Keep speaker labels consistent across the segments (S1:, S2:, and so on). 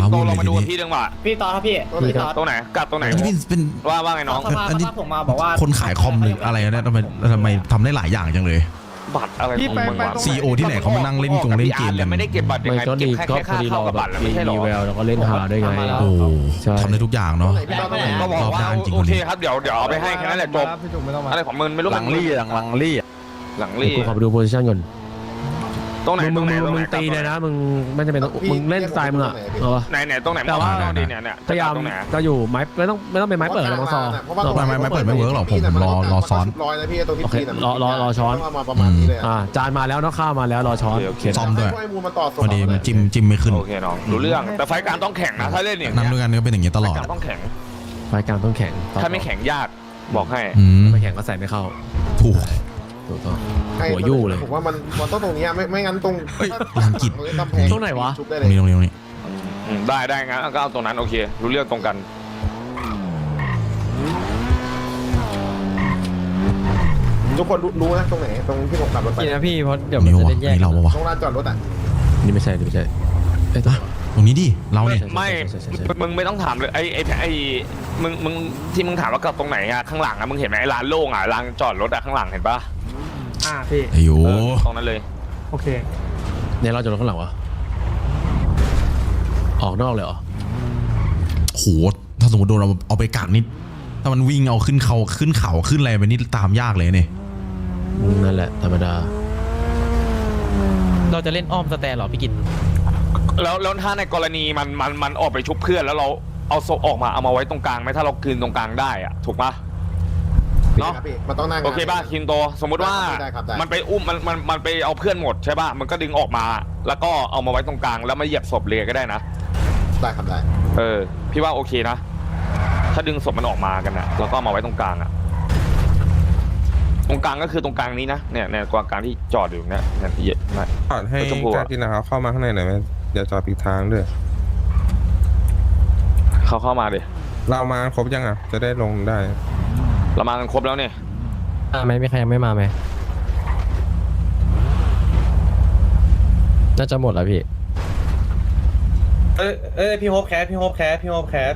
S1: โต
S2: วุ่น
S1: ล
S2: เล
S1: ง
S2: ย
S1: มา
S2: ที
S1: ดู
S2: นี้
S1: พี่ดึงว่ะ
S3: พี่ตอนครับพี่ตอน
S1: ตรงไหนกัดตรงไหน
S2: อันนี้เป็น
S1: ว่าไงน้อง
S3: สภา
S2: อันนี้
S3: ผมมาบอกว่า
S2: คนขายคอมหรืออะไรเนี่ยทำไมทำได้หลายอย่างจังเลย
S1: บัตรอะไรของมึงวะ
S2: CEO ที่ไหนเขามานั่งเล่นเกมกัน
S1: ไม่ได้เก็บบัตรยัง
S4: ไม่
S1: ไง
S4: ก็
S1: เก็
S4: ดี
S1: บแค่
S4: ก็พ
S1: ค่า
S4: อดีเรา
S1: เข้ากับ
S4: แบ
S1: บั
S4: บ
S1: ตรแล้วไม่ใช่หรอ
S4: มีแววแล้วก็เล่นหาด้วยไง
S2: โอ้
S4: ใช่
S2: ทำได้ทุกอย่างเนาะ
S1: ก็บอก
S2: รอบ
S1: ว่า
S2: ด้านจริง
S1: โอ
S2: คน
S1: เค
S2: นี้
S1: ครับเดี๋ยวเอาไปให้แค่นั้นแหละจบ
S5: พี่จุกไม่ต้องมา
S1: อะไรของมึงไม่รู้
S6: หลังลี่
S1: หลังลี่
S4: เดี๋ยวกูขอไปดูโพซิชั่นก่อน
S1: ตรงไหน
S4: มึ
S1: ตรง งไหนตรง
S4: มึ
S1: ไหน
S4: งตีเลยนะมึงไม่จำเป็นต้องมึงเล่นสไตล์มึงอะเอาปะ
S1: ไหนตรงไหน
S4: แต่ว่า
S1: เนี่ย
S4: พยายาม
S1: ตรงไหน
S4: จะอยู่ไม้ไม่ต้องเป็นไม้เปิดนะบางซอ
S2: ไม่เปิดไม่เวิร์กหรอกผมรอซ้อน
S5: ร้อยนะพี่ตรงที่
S4: โอเค
S5: ปีน่ะ
S4: รอช้อน
S5: มาประมาณนี้เลย
S4: จานมาแล้วเนาะข้าวมาแล้วรอช้อน
S2: ซ่อมด้วย
S5: ให้มูลมาต่อ
S2: พอดีมันจิ้มไม่ขึ้น
S1: โอเคน้องรู้เรื่องแต่ไฟการต้องแข่งนะถ้าเล่นอย่าง
S2: นั่งด้วยกันก็เป็นอย่างนี้ตลอด
S1: การต้องแข่ง
S4: รายการต้องแข่ง
S1: ถ้าไม่แข่งยากบอกให้
S4: ไม่แข่งก็ใส่ไม่เข้า
S2: ถูก
S4: ถูกต้องหัวยู่เลย
S5: ผมว่ามันต้องตรงนี้ไม่งั้นตรง
S2: ลานกิจ
S4: ตรงไหนวะ
S5: ชุบได้
S2: ตรงนี้
S5: เลย
S2: ตรงนี้
S1: ได้งั้นก็เอาตรงนั้นโอเครู้เรื่องตรงกัน
S5: ทุกคนรู้นะตรงไหนตรงที่ผมขับรถไป
S7: พี่นะพี่เพราะเดี๋ยว
S2: ตรง
S7: มัน
S2: นี้วะ
S7: จะแยก
S2: นี่เราวะ
S5: ตรงลานจอดรถอ่ะ
S4: นี่ไม่ใช่เอ้ย
S2: ตรงนี้ดิเราเนี่ย
S1: ไม่มึงไม่ต้องถามเลยไอ้มึงที่มึงถามว่ากับตรงไหนอะข้างหลังอะมึงเห็นไหมไอ้ร้านโล่งอะร้านจอดรถอะข้างหลังเห็นปะ
S3: พี่
S2: ไอ้โย
S1: ตรงนั้นเลย
S3: โอเค
S4: เนี่ยเราจะรถข้างหลังวะออกนอกเลยเหรอ
S2: โหถ้าสมมติโดนเราเอาไปกักนิดถ้ามันวิ่งเอาขึ้นเขาขึ้นอะไรไปนี่ตามยากเลยเนี่ย
S4: นั่นแหละธรรมดา
S7: เราจะเล่นอ้อมสแตนเหรอพี่กิต
S1: แล้วถ้าในกรณีมันออกไปชุบเพื่อนแล้วเราเอาศพออกมาเอามาไว้ตรงกลางไหมถ้าเราคืนตรงกลางได้อะถูกปะ เนาะ
S5: มันต้องนั่ง
S1: โอเคป่ะคินโตสมมุติว่า
S5: ได้ครับได้
S1: มันไปอุ้มมันไปเอาเพื่อนหมดใช่ป่ะมันก็ดึงออกมา แล้วก็เอามาไว้ตรงกลางแล้วมาเหยียบศพเลยก็ได้นะ
S5: ได้ครับได้
S1: พี่ว่าโอเคนะ ถ้าดึงศพมันออกมากันนะแล้วก็เอามาไว้ตรงกลางอะตรงกลางก็คือตรงกลางนี้นะเนี่ยกลางที่จอดอยู่เนี่ยเยอะมาก
S8: จอดให้กากินนะครับเข้ามาข้างในหน่อยไหมอย่าจอดปิดทางด้วย
S1: เข้ามาดิ
S8: เรามาครบยังอ่ะจะได้ลงได้
S1: เรามากันครบแล้วเนี่ย
S7: ไหมมีใครยังไม่มาไหมน่าจะหมดแล้วพี่
S3: พี่โฮปแคสพี่โฮปแคส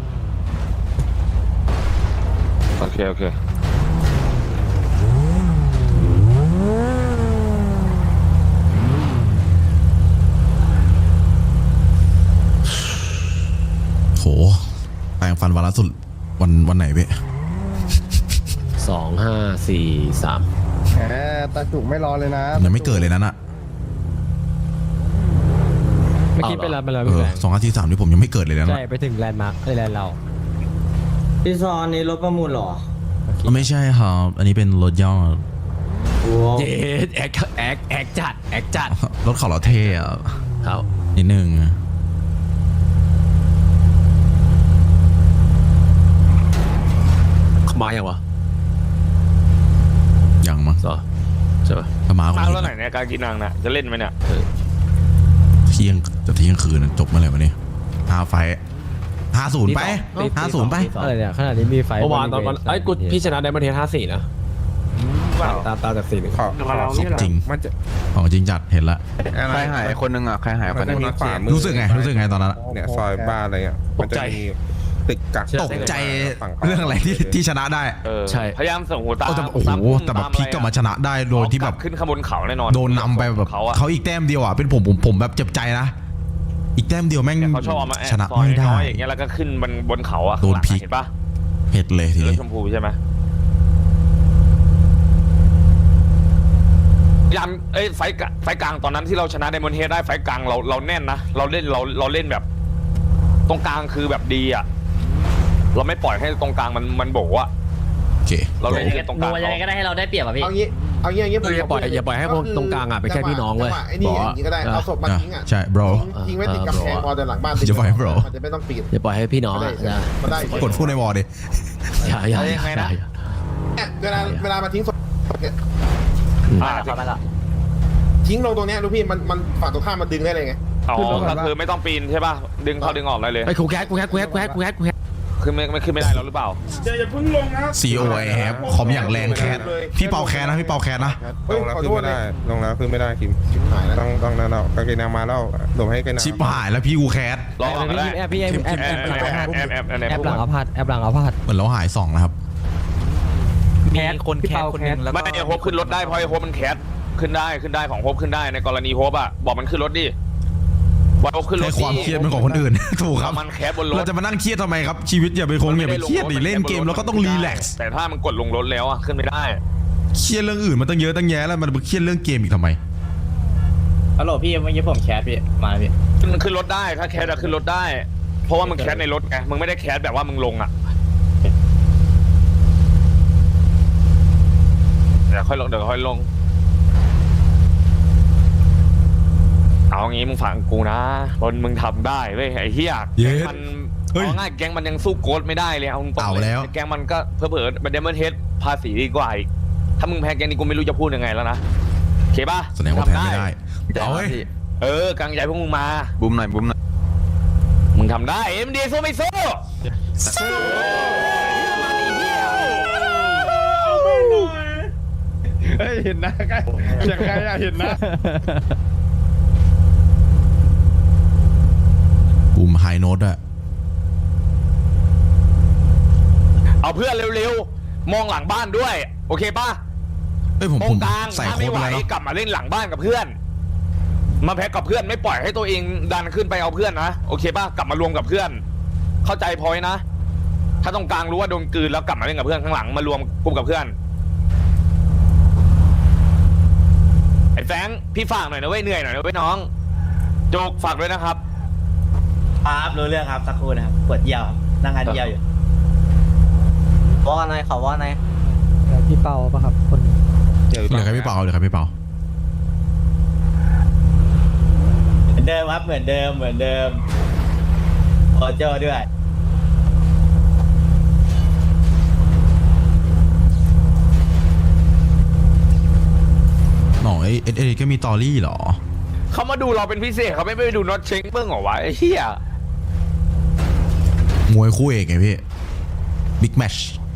S1: โอเค
S2: โหแปรงฟันวันละสุดวันไหนเว้ย
S4: 2 5 4 3
S5: แหมตาจุกไม่รอเลยนะ
S2: ยังไม่เกิดเลยนั้นอะ
S7: เมื่อกี้ไปแล้วพี่แบงค์
S2: 2 5 4 3นี่ผมยังไม่เกิดเลยนะ
S7: ใช่ไปถึงแลนด์มาร์คแลนด์เรา
S3: พี่ซอนนี่รถประมูลหรอ
S2: ไม่ใช่ครับอันนี้เป็นรถย่อ
S4: เจ๊แอคจัด
S2: รถเขาเราเท่อะ
S4: ครับ
S2: นิดนึง
S4: มาอย่างวะ
S2: ยังมั้ง
S4: ซอใช่ปะ
S2: ถ้ามา
S1: มาแล้วไหนเนี่ยการกินนางน่ะจะเล่นไหมเนี่ย
S2: เที่ยงคืนจบเมื่อไหร่วะเนี่ย5 ไฟ50ไป50ไป
S7: อะไรเนี่ยขนาดนี้มีไฟ
S4: เมื่อวานตอนไอ้กูพี่ชนะไดมอนเทส54นะตามจาก4-1
S2: ของจริง
S8: มันจะ
S2: ของจริงจัดเห็นละ
S6: ใครหายคนนึงอ่ะใครหาย
S8: มั
S6: คน น
S8: จะ
S6: นึง
S8: มีขวามือ
S2: รู้สึกไงตอนนั้น
S8: เนี่ยซอยบ้านอะไรอ่ะมันจะมีตึกกัก
S2: ตกใจเรื่องอะไรที่ชนะได้
S4: ใช่
S1: พยายามส่งหูตา
S2: โอ้โหแต่แบบพลิกกลับมาชนะได้โดยที่แบบ
S1: ขึ้นข้างบนเขาแน่นอน
S2: โดนนำไปแบบ
S1: เขาอะ
S2: เขาอีกแต้มเดียวอ่ะเป็นผมแบบเจ็บใจนะอีกแต้มเดียวแม่ง
S1: เขาชอบเอามาแอบ
S2: ชนะ
S1: ซอย
S2: ไม่ได้
S1: น้อยอย่างเงี้ยแล้วก็ขึ้นบนเขาอะ
S2: โดนพลิก
S1: เห็นปะ
S2: เผ็ดเลยที
S1: รถ
S2: นี้
S1: ชมพูใช่ไหมยามไฟกลางตอนนั้นที่เราชนะไดมอนด์เฮดได้ไฟกลางเราแน่นนะเราเล่นแบบ ตรงกลางคือแบบดีอะเราไม่ปล่อยให้ตรงกลางมันโบอะ
S2: โอเค
S1: เราเล่นตรงกลาง
S3: ยังไงก็ได้ให้เราได้เปรียบอ่ะพี่
S5: เอางี้
S4: อย่าปล่อยให้คนตรงกลางอ่ะเป็นแค่พี่น้องเว้ย
S5: ไอ้นี่อย่างนี้ก็ได้เอาศพมาทิ้งอ่ะ
S2: ใช่ bro
S5: ทิ้งไว้ติดกำแพงพอแต่หลังบ้าน
S2: จะปล่อยให้ bro
S5: มันจะไม่ต้องปีน
S4: อย่าปล่อยให้พี่น้องอ่ะ
S5: มันได้
S2: กดพูดในวอลดิ
S4: อย่า
S5: เวลามาทิ้งศพเนี่ย ทิ้งลงตรงเนี้ยลูกพี่มันฝั่งตรงข้ามมันดึงได้เลยไง
S1: อ๋อก็คือไม่ต้องปีนใช่ป่ะดึงเขาดึงออกได้เลย
S4: ไอ้กูแคส
S1: ขึ้นไม่ได้แล้วหรือเปล่า
S2: COI แฮปคอมอย่างแรงแคสพี่เปาแคสนะพี่เปาแคสนะ
S8: ลงแล้วขึ้นไม่ได้ลงแล้วขึ้นไม่ได้คิม
S5: ชิบหายแล้ว
S8: ต้องนั่นเอากางเกงนางมาแล้วหลบให้กางเกงนาง
S2: ชิบหายแล้วพี่กูแคส
S1: รอก่อนก็ได้
S7: แอบพี่แอบแอบแอบหลังเอาพัดแอบหลังเอาพัด
S2: เหมือนเราหาย2นะครับ
S7: มีคนแคสคนนึงแล้ว
S1: ไม่โฮปขึ้นรถได้เพราะไอ้โฮปมันแคสขึ้นได้ของโฮปขึ้นได้ในกรณีโฮปอะบอกมันขึ้นรถดิบอกโฮปขึ้นรถ
S2: ให้ความเครียดเป็นของคนอื่น ถูกครับ
S1: มันแคสบนรถ
S2: เราจะมานั่งเครียดทำไมครับชีวิตอย่าไปเครียดดิเล่นเกมแล้วก็ต้องรีแลกซ์
S1: แต่ถ้ามันกดลงรถแล้วอะขึ้นไม่ได้
S2: เครียดเรื่องอื่นมันตั้งเยอะตั้งแยะแล้วมันเครียดเรื่องเกมอีกทำไม
S3: ฮัลโหลพี่เมื่อกี้ผมแคสพี่มาพี่
S1: มันขึ้นรถได้ถ้าแคสอะขึ้นรถได้ เพราะว่ามึงแคสในรถไงมึงไม่ได้แคสแบบว่ามึงลงอะเดี๋ยวค่อยลงเอางี้มึงฟังกูนะบนมึงทำได้เว้ยไอ้เหี้ยแก๊งมันเอาง่ายแก๊งมันยังสู้โกดไม่ได้เลยเอาตรงๆเลยแก๊งมันก็เผลอๆมันเดมอนเฮดภาษีดีกว่าอีกถ้ามึงแพ้แก๊งนี้กูไม่รู้จะพูดยังไงแล้วนะโอเคป่ะ
S2: แสดงว่าแพ้ไม่ได้เอาเว้ย
S1: กางใหญ่พวกมึงมา
S6: บุ้มหน่อยบุ้มหน่อย
S1: มึงทำได้เอ็มดีสู้ไม่สู้
S5: เฮ้ยเห็นนะใกล้อย่างไรอะเห็นนะ
S2: ปุ่มไฮโน้ตอะ
S1: เอาเพื่อนเร็วๆมองหลังบ้านด้วยโอเคป่ะ
S2: เอ้ยผม
S1: มองกลาง
S2: ใส่
S1: ถ้า
S2: โค้
S1: ไม่
S2: ด
S1: ไห
S2: ไป
S1: ว
S2: แล้วเนาะ
S1: กลับมาเล่นหลังบ้านกับเพื่อน มาแพ็กกับเพื่อนไม่ปล่อยให้ตัวเองดันขึ้นไปเอาเพื่อนนะโอเคป่ะกลับมารวมกับเพื่อน เข้าใจพอยนะ ถ้าตรงกลางรู้ว่าโดนกลืนแล้วกลับมาเล่นกับเพื่อนข้างหลังมารวมกลุ่มกับเพื่อนไอ้แฟงพี่ฝากหน่อยนะเว้ยเหนื่อยหน่อยนะเว้ยน้องโจกฝากด้วยนะครับ
S3: ครับรู้เรื่องครับสักครู่นะครับปวดเยี่ยวครับนั่งงานเยี่ยวอยู่ว่าไงเขาว่าไง
S7: พี่เปาปะครับคน
S2: เหลือใครพี่เปาเหลือใครพี่เปา
S3: เหมือนเดิมครับเหมือนเดิมโอโจ้ด้วย
S2: หน่อยเอก็มีตอรี่เหรอ
S1: เขามาดูเราเป็นพิเศษเขาไม่ไปดูน็อตเชงเบิ้งเหรอวะไอ้เหี้ย
S2: มวยคู่เอกไงพี่บิ๊กแมช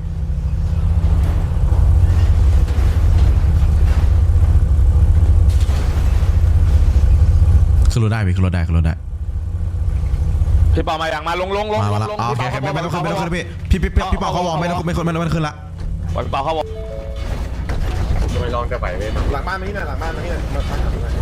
S2: ขึ้นรถได้พี่ขึ้นรถได้
S1: พี่เปามาอย่างมาลง
S2: มาแล้วโอเคไม่ต้องขึ้นพี่เปาเขาวอร์มไม่ต้องขึ้นละ
S1: ปล่อยพี่เปาเขาบอก
S5: ไปลองจะไหวไหมหลังบ้านมาที่ไหนหลังบ้านมาที่ไหนมาทำอะไร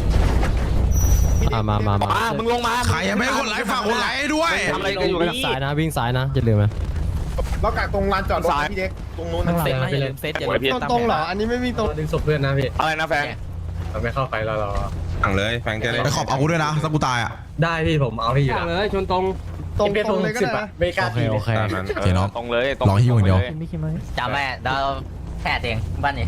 S7: มา
S1: มึงลงมา
S2: ใครยังไม่กดไลค์ฝากกดไลค์ด้วย
S1: ทำอะไรกันอยู่กัน
S7: วิ่งสายนะวิ่งสายนะอย่าลืมนะ
S5: เรากักตรงลานจอดรถพี่เด็กตรงนู้นนะ
S7: เซตนะอย่าลืมเซตอย่าลืม
S3: ตรงเหรออันนี้ไม่มีตรง
S4: ดึงศพเพื่อนนะพี่
S1: อะไรนะแฟง
S4: เราไม่เข้าไปเรา
S8: สั่งเลยแฟงจะได้
S2: ไปขอบเอากูด้วยนะถ้ากูตายอ่ะ
S4: ได้พี่ผมเอาพี่อยู่แล้ว
S3: เลยชนตรงเลยก็ได้นะไม่กล้า
S7: โอเค
S8: ตามนั้น
S2: โอเคเนาะ
S1: ตรงเลย
S2: รอหิ้วอย่างเดียว
S3: จำแม่เราแค่เองบ้านนี้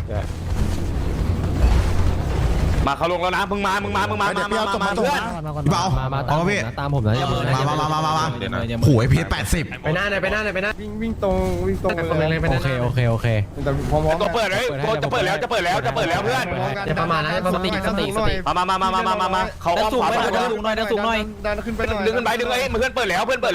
S1: มาเขาลงแล้วนะมึงมาเพื่อน
S2: พี่เปา
S7: มา
S2: เอามาพี่
S7: ตามผมนะอย่าเพิ่งนะ
S2: มา
S8: เดี๋ยวนะ
S2: โอ้ยพี80
S4: ไปหน้าไหนไปหน้า
S5: วิ่งตรง
S4: คนเลยไปหน้า
S7: โอเค
S5: แต่พร้อม
S1: ตัวเปิดเลยจะเปิดแล้วเพื่อน
S4: จะประมาณนั้นประมาณ
S3: สติ
S1: มาเขาอ้อมขวา
S3: สูงหน่อยดันขึ้นไปหน่อย
S1: ดึงขึ้นไปเพื่อนเปิดแล้ว
S3: เพื่อน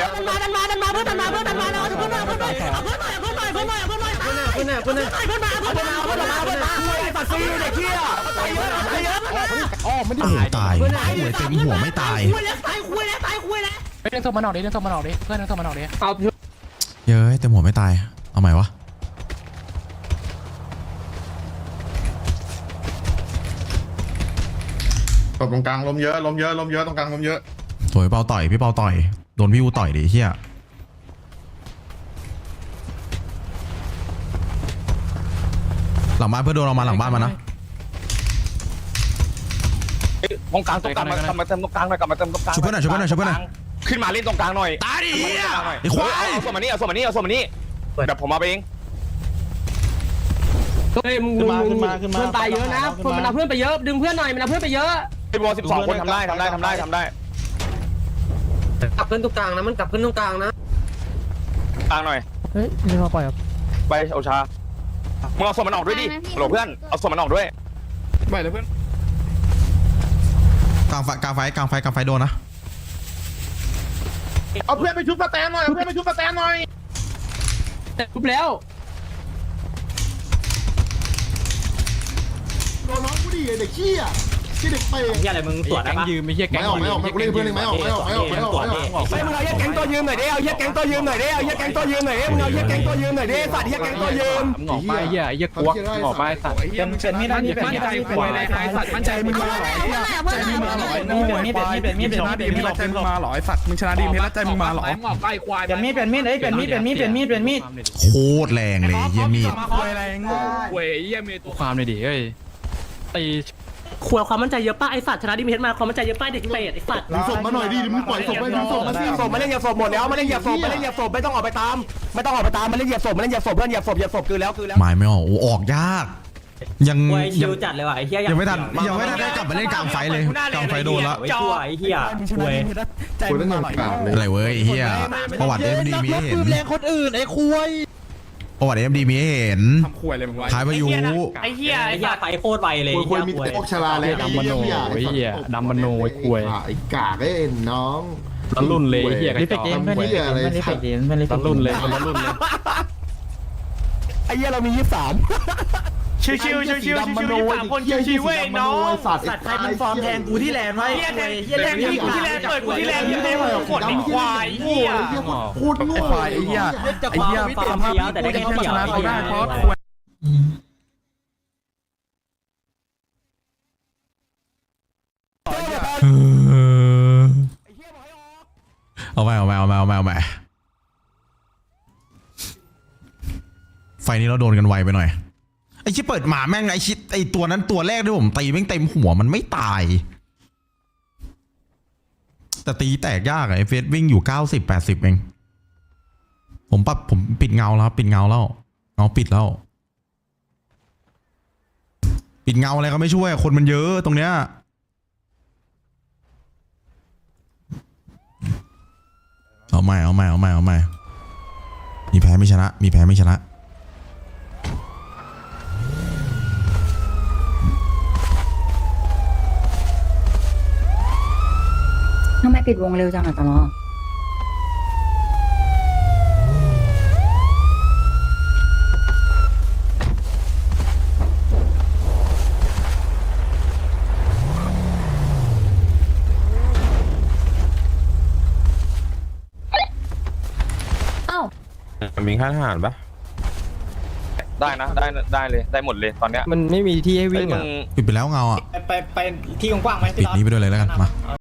S2: โอ้ตายหัวเต็มหัวไม่ตาย
S9: เรื่องโทรมาหน่อยดิเรื่องโทรมาหน่อยดิเพื่อนเรื่องโทรมาหน่อยดิ
S3: เอา
S2: เย้ยเต็มหัวไม่ตายเอาใหม่วะ
S5: ตบตรงกลางลมเยอะตรงกลางลมเยอะ
S2: สวยเปาต่อยพี่เปาต่อยโดนพี่อูต่อยดิเฮียหลังบ้านเพื่อนโดนเรามาหลังบ้านมานะ
S1: ตรงกลางกลับมาเติมตรงกลางหน่อย
S2: ช่วยเพื่อนหน่อย
S1: ขึ้นมาเล่นตรงกลางหน่อย
S2: ตายดิเฮียไอ้ควาย
S1: เอาส่วนมานี่เดี๋ยวผมมาเอง
S3: เฮ้ยมึงขึ้นมาเพื่อนตายเยอะนะคนมันเอาเพื่อนไปเยอะดึงเพื่อนหน่อยมันเอาเพื่อนไปเยอะ
S1: ไอ้บอล12 คนทำได้
S3: กลับเพื่อนตรงกลางนะมันกลับเพื่อนตรงกลางนะ
S1: กลางหน่อย
S7: เฮ้ยนี่มาปล่อยครับ
S1: ไปโอชามึงเอาส่วนมันออกด้วยดิโหลเพื่อนเอาส่วนมันออกด้วย
S5: ไปเลยเพื่อน
S2: กลางไฟโดนนะ
S5: เอาเพื่อนไปชุบสแตนหน่อย
S9: ทุบแล้ว
S5: โดนน้องกูดิเด็กขี้อ่ะขี้เด็กเปย์
S3: เฮียอะไรมึงตรวจได้ปะ
S5: ไม่ออกกูเล่นเพื่อนไม่ออก
S3: ไม่มึงเอาเฮียแก๊งตัวยืมหน่อยดิเอาเฮียแก๊งตัวยืมหน่อยดิเอาเฮียแก๊งตัวยืมหน่อยดิมึงเอาเฮียแก๊งตัวยืมหน่อยดิสัตว์เฮียแก๊งตัวยืม
S5: มึงออกไปเฮียกวกมึงออกไปสัตว์
S3: เป็นไม่ได้นี่เป็นไม่ได้ควายไอ้สัตว์มั่นใจมึงมาหรอใจมึงมาหรอมีดมีดชนะดีมีดใจมึงมาหรอไอ้สัตว์มึงชนะดีมีดใจมึงมาหรอมึงออกไปควายเป็นมีดเอ้ยเป็นมีด
S2: โคตรแรงเลยเยี่ยมีด
S3: ควายอะไรโง่
S9: เว้ยเหี้ยมีตัว
S6: ความเลยดิเอ้ยตี
S10: ขวดความมั่นใจเยอะป้าไอสัตว์ชนะดิมเฮดมาความมั่นใจเยอะป้าเด็กเปรตไอสัตว์
S5: ดึงศพมาหน่อยดิมึงปล่อยศพไปดึงศพมาสิ
S3: ศพมาเล่นเหยียบศพหมดแล้วมาเล่นเหยียบศพมาเล่นเหยียบศพไม่ต้องออกไปตามไม่ต้องออกไปตามมาเล่นเหยียบศพมาเล่นเหยียบศพเพื่อนเหยียบศพคือแล้ว
S2: หมายไม่ออกโอ้ออกยาก ยัง
S10: ชิวจัดเลยว่ะไอเฮีย
S2: ยังไม่ทันได้กลับมาเล่นกลางไฟเลยกลางไฟโดนแล้ว
S10: ไอชั่วไอเฮีย
S3: ใจ
S5: กู
S3: มึ
S5: เล่
S3: ง
S5: น
S3: มา
S5: ห
S3: ห
S5: น่
S3: ร
S5: อ
S3: อย
S5: เลย
S2: อะไรเว้ยเฮียประวัติเอ็มดีมีให้เห็น
S7: แรงคนอื่นไอ้คุย
S2: ประวัติเอ็มดีมีให้เห็น
S8: ทำขวยเลยมึงวะ
S2: ท้ายพายุ
S10: ไอเฮียไปโคตรไวเลย
S5: ควรมีพวกชลาแล้วไอ้กากไอ้น้อง
S8: ตะลุ่นเลยเฮีย
S5: นี่เป็นเกมไม่ได้อะไร
S8: ตะลุ่นเลยตะลุ่นเลย
S3: ไอ้เหี้ยเรามี23ชิว3คนชิวๆเว้ยน้องสัตว์ใครมันฟอร์มแทงกูที่แลนด์ไว้เหี้ยแทงกูที่แลนด์เปิดกูที่แลนด์เหี้ยกดไอ้ควายเหี้ย
S5: พูดโง่
S6: ควายไอ้เหี้ย
S10: ไอเฮียฟาร์มเฟี้ยวแต่ได้แค่เขียว
S6: เขาได้เพราะ
S2: เอาไปไฟนี้เราโดนกันไวไปหน่อยไอ้ชิเปิดหมาแม่งไอ้ชิไอ้ตัวนั้นตัวแรกที่ผมตีแม่งเต็มหัวมันไม่ตายแต่ตีแตกยากอะไอ้เฟสวิ่งอยู่90-80เองผมปิดเงาแล้วครับปิดเงาแล้วเงาปิดแล้วปิดเงาอะไรก็ไม่ช่วยคนมันเยอะตรงเนี้ยเอาใหม่มีแพ้ไม่ชนะ
S11: ทำไมปิดวงเร็วจังอะตลอดเอ้า
S8: มีค่าทหารปะ
S1: ได้นะได้เลยได้หมดเลยตอนเนี้ย
S4: มันไม่มีที่ให้
S1: เฮ้
S4: วิ่
S1: ย
S4: ง
S1: มึ
S4: อ่ะ
S1: ง
S2: ปิดไปแล้วเงาอ่ะ
S3: ไปที่กว้างๆไหม
S2: ปิดนี้ไปด้วยเลยแล้วกันมา